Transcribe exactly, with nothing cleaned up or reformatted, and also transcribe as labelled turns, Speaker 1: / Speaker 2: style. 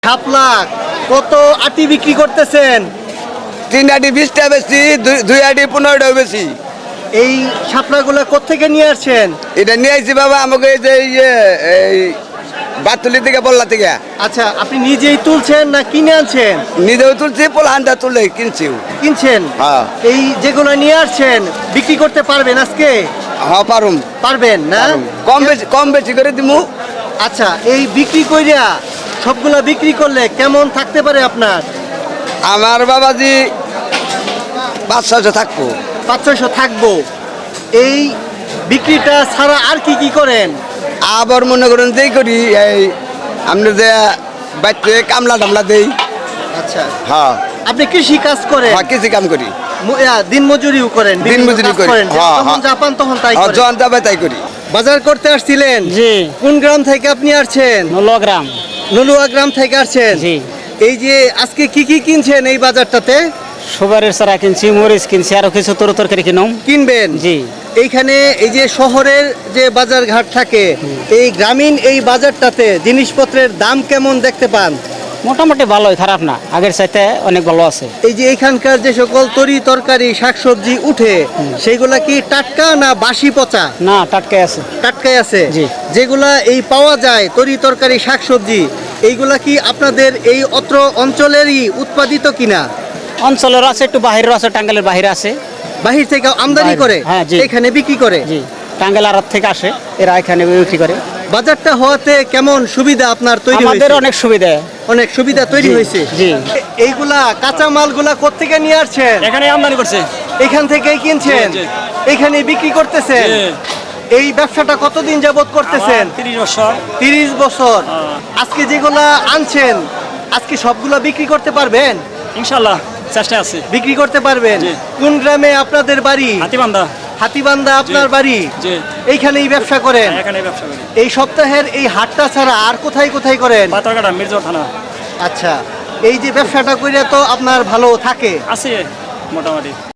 Speaker 1: সাত লাখ কত আটি বিক্রি করতেছেন?
Speaker 2: তিন আটি বিশটা বেশি, দুই আটি পনেরোটা বেশি।
Speaker 1: এই শাপলাগুলো কোত্থেকে নিয়ে আসছেন?
Speaker 2: এটা নিয়ে আসছি বাবা আমাকে এই যে ইয়ে এই বাতুলি থেকে বললা থেকে।
Speaker 1: আচ্ছা, আপনি নিজেই তুলছেন না কিনে আনছেন?
Speaker 2: নিজেও তুলছি, পোলহানটা তুলে কিনছিও।
Speaker 1: কিনছেন?
Speaker 2: হ্যাঁ।
Speaker 1: এই যেগুলো নিয়ে আসছেন বিক্রি করতে পারবেন আজকে?
Speaker 2: হ্যাঁ পারুম।
Speaker 1: পারবেন না?
Speaker 2: কম বেশি কম বেশি করে দিমু।
Speaker 1: আচ্ছা, এই বিক্রি কইরা সবগুলা বিক্রি করলে কেমন থাকতে পারে আপনার?
Speaker 2: আমার বাবাজি পাঁচ ছয়শো থাকবো।
Speaker 1: পাঁচ ছয়শো থাকবো। এই বিক্রিটা ছাড়া আর কি কি করেন?
Speaker 2: আবার মনে করেন যেই করি এই আমরা যে বাচ্চা কামলা টামলা দেই।
Speaker 1: আচ্ছা,
Speaker 2: হ্যাঁ
Speaker 1: আপনি কৃষি কাজ করেন?
Speaker 2: হ্যাঁ কৃষি কাম করি,
Speaker 1: মু- আ, দিন মজুরিও করেন?
Speaker 2: দিন
Speaker 1: বিভিন্ন
Speaker 2: মজুরি
Speaker 1: কাজ
Speaker 2: করি।
Speaker 1: করেন?
Speaker 2: হ্যাঁ,
Speaker 1: যখন
Speaker 2: হ্যাঁ।
Speaker 1: যা পান তখন তাই
Speaker 2: হ্যাঁ
Speaker 1: করেন?
Speaker 2: জন যাবে তাই করি।
Speaker 1: বাজার করতে আসছিলেন?
Speaker 3: জি।
Speaker 1: কোন গ্রাম থেকে আপনি আসছেন?
Speaker 3: নলগ্রাম।
Speaker 1: নলুয়া গ্রাম থেকে আসছেন?
Speaker 3: জি।
Speaker 1: এই যে আজকে কি কি কিনছেন এই বাজারটাতে?
Speaker 3: সুপারির চারা কিনছি, মরিচ কিনছি, আরো কিছু তরু তরকারি কিনুম।
Speaker 1: কিনবেন?
Speaker 3: জি।
Speaker 1: এইখানে এই যে শহরের যে বাজার ঘাট থাকে, এই গ্রামীণ এই বাজারটাতে জিনিসপত্রের দাম কেমন দেখতে পান?
Speaker 3: মোটামুটি ভালোই, খারাপ না, আগের চাইতে অনেক ভালো আছে।
Speaker 1: এই যে এখানকার যে সকল তরি তরকারি শাকসবজি উঠে সেগুলা কি টাটকা না বাসি পচা?
Speaker 3: না, টাটকাই আছে।
Speaker 1: টাটকাই আছে?
Speaker 3: জি।
Speaker 1: যেগুলা এই পাওয়া যায় তরি তরকারি শাকসবজি, এইগুলা কি আপনাদের এই অত্র অঞ্চলেরই উৎপাদিত কিনা?
Speaker 3: অঞ্চলের আছে, একটু বাহিরের আছে, টাঙ্গাইলের বাহিরে আছে।
Speaker 1: বাহির থেকে আমদানি
Speaker 3: বাহিরে,
Speaker 1: করে
Speaker 3: হ্যাঁ, জি।
Speaker 1: এখানে বিক্রি করে?
Speaker 3: জি, টাঙ্গাইল আড়ত থেকে আসে, এরা এখানে বিক্রি করে।
Speaker 1: বাজারটা হওয়াতে কেমন সুবিধা আপনার তৈরি
Speaker 3: আমাদের
Speaker 1: হয়েছে?
Speaker 3: অনেক সুবিধা।
Speaker 1: অনেক সুবিধা তৈরি
Speaker 3: জি,
Speaker 1: হয়েছে।
Speaker 3: জি।
Speaker 1: এ- এইগুলা কাঁচা মালগুলা কোত্থেকে নিয়ে আসছেন?
Speaker 4: এখানে আমদানি করছে।
Speaker 1: এখান থেকেই কিনছেন?
Speaker 4: জি, জি।
Speaker 1: এখানে বিক্রি করতেছেন?
Speaker 4: জি।
Speaker 1: এই ব্যবসাটা কতদিন যাবত করতেছেন?
Speaker 4: তিরিশ বছর।
Speaker 1: তিরিশ বছর।
Speaker 4: হ্যাঁ।
Speaker 1: আজকে যেগুলা আনছেন আজকে সবগুলা বিক্রি করতে পারবেন?
Speaker 4: ইনশাল্লাহ চেষ্টা আছে।
Speaker 1: বিক্রি করতে পারবেন?
Speaker 4: জি।
Speaker 1: কোন গ্রামে আপনাদের বাড়ি?
Speaker 4: হাতিবান্ধা।
Speaker 1: হাতিবান্ধা আপনার
Speaker 4: জি।
Speaker 1: বাড়ি?
Speaker 4: জি।
Speaker 1: এইখানেই ব্যবসা করেন?
Speaker 4: এখানে ব্যবসা করি।
Speaker 1: এই সপ্তাহের এই হাটটা ছাড়া আর কোথায় কোথায় করেন?
Speaker 4: পাথরঘাটা মির্জর থানা।
Speaker 1: আচ্ছা, এই যে ব্যবসাটা করে তো আপনার ভালো থাকে?
Speaker 4: আছে মোটামুটি।